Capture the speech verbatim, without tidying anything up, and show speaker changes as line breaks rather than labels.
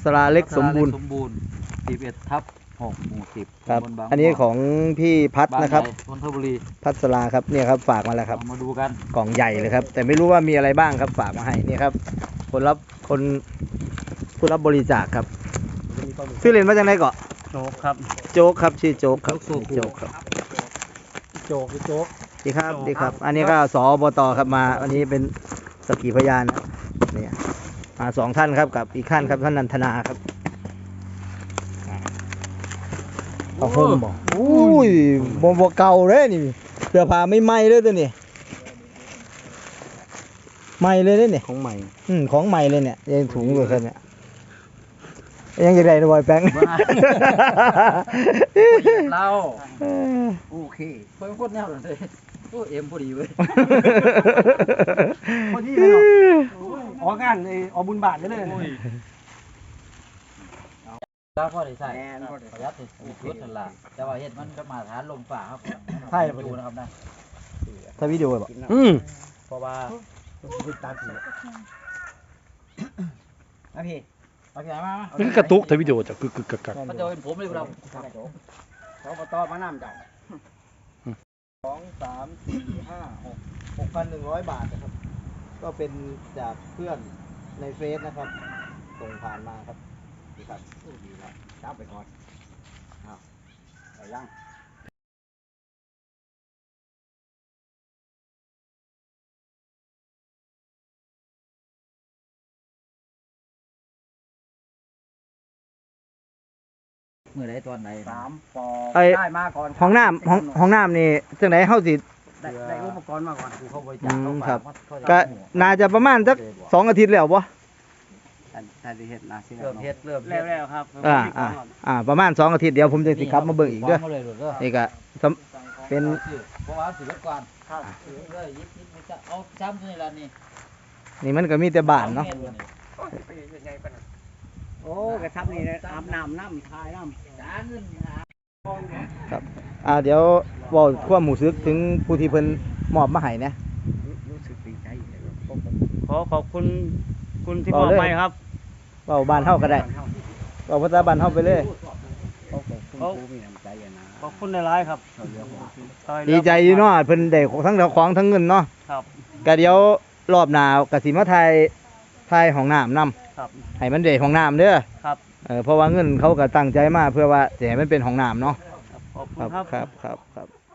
สลาเล็กสมบูรณ์
สมบูรณ์สิบเอ็ดทับหกหมู่สิบ
ครับอันนี้ของพี่พัดนะครับ
นนทบุรี
พัดสลาครับเนี่ยครับฝากมาแล้วครับ
มาดูกัน
กล่องใหญ่เลยครับแต่ไม่รู้ว่ามีอะไรบ้างครับฝากมาให้นี่ครับคนรับคนผู้รับบริจาคครับชื่อเล่นมาจากไหนเกาะ
โจ๊กครับ
โจ๊กครับชื่อโจ๊กครับโจ๊กครับ
โจ๊กโจ๊ก
ดีครับดีครับอันนี้ก็สอบตครับมาอันนี้เป็นสักขีพยานนะเนี่ยมาสองท่านครับกับอีกท่านครับท่านนันทนาครับเอาห่มบ่อุ้ยบ่บ่เก่าเลยนี่เสื้อผ้าไม่ไหม้เลยตัวนี้ใหม่เลยเนี่ย
ของใหม่
อืมของใหม่เลยเนี่ยยังถุงอยู่ครับเนี่ยยังจะได้นะบอยแป้ง
เราโอเคเพิ่งพูดแนวเลยโอ้เอ็มพอดีเว้ย
พอดีเลยเนาะออกงานไอ้ออกบุญบาทเลยเลย
แล้วพอได้ใส่ประหยัดสุดชุดนั่นแหละแต่ว่าเห็ดมันก็มาฐานลมฝ่าครับ
ใช่
ดูนะครับนะ
ถ้าวิดีโอแบบอืม
เพราะว่า
ตามสี
โอเคโอเคมา
นี่กระตุกถ้าวิดีโอจะกึกกึกกักกัก
เขาจะเป็นผมเลยเรา
เขาก็ต่อมาน้ำจ่าย
สองสามสี่ห้าหกหกพันหนึ่งร้อยบาทนะครับก็เป็นจากเพื่อนในเฟซนะครับส่งผ่านมาครับดีครับ
ดีแล้วจับไปก่อนอ้าวไปยัง
เมื่อไรตอนไหน
สามปอได้มาก่อน
ห้องน้ำห้องห้องน้ำนี่จังไหนเฮาสิ
ได้ได้อุปกรณ์มาก่อน
เขาบริจาคเขา
ครับก็น่าจะประมาณสักสองอาทิตย์แล้วบ่
ถ้าได้เฮ็ดนะ
เริ่มเฮ็ดเริ่ม
แล้วแล้วครับ
อ่าอ่าอ่าประมาณสองอาทิตย์เดี๋ยวผมจะสิกลับมาเบิ่งอีกเด้อนี่ก็เป็น
เพราะว่าสิบก่อนครับเลยยิบยิบจะเอาจ้ำนี่ละนี่
นี่มันก็มีแต่บ้านเนาะ
โอ้กระทับนี่นะอาบน้ำน้ำทายน้ำจ้าเงิน
ครับอ่าเดี๋ยวบอกความหมู่ซึกถึงผู้ที่เพิ่นมอบมาให้นะ
รู้สึกดีใจ
ขอขอบคุณคุณที่มอบให้ครับ
เว้าบ้านเฮาก็ได้เว้าภาษาบ้านเฮาไปเลย
เขามีน้ำใจนะ
ขอบคุณในร้ายครับ
ดีใจอยู่เนาะเพิ่นได้ทั้งของทั้งเงินเนาะ
ครับ
ก็เดี๋ยวรอบหน้าก็สิมาถ่ายถ่ายห้องน้ำนำ
ครับ
ให้มันได้ห้องน้ำเด้อ
ครับ
เออเพราะว่าเงินเขาก็ตั้งใจมาเพื่อว่าจะให้มันเป็นห้องน้ำเนาะ
ขอบคุณครับ
ครับครับครับ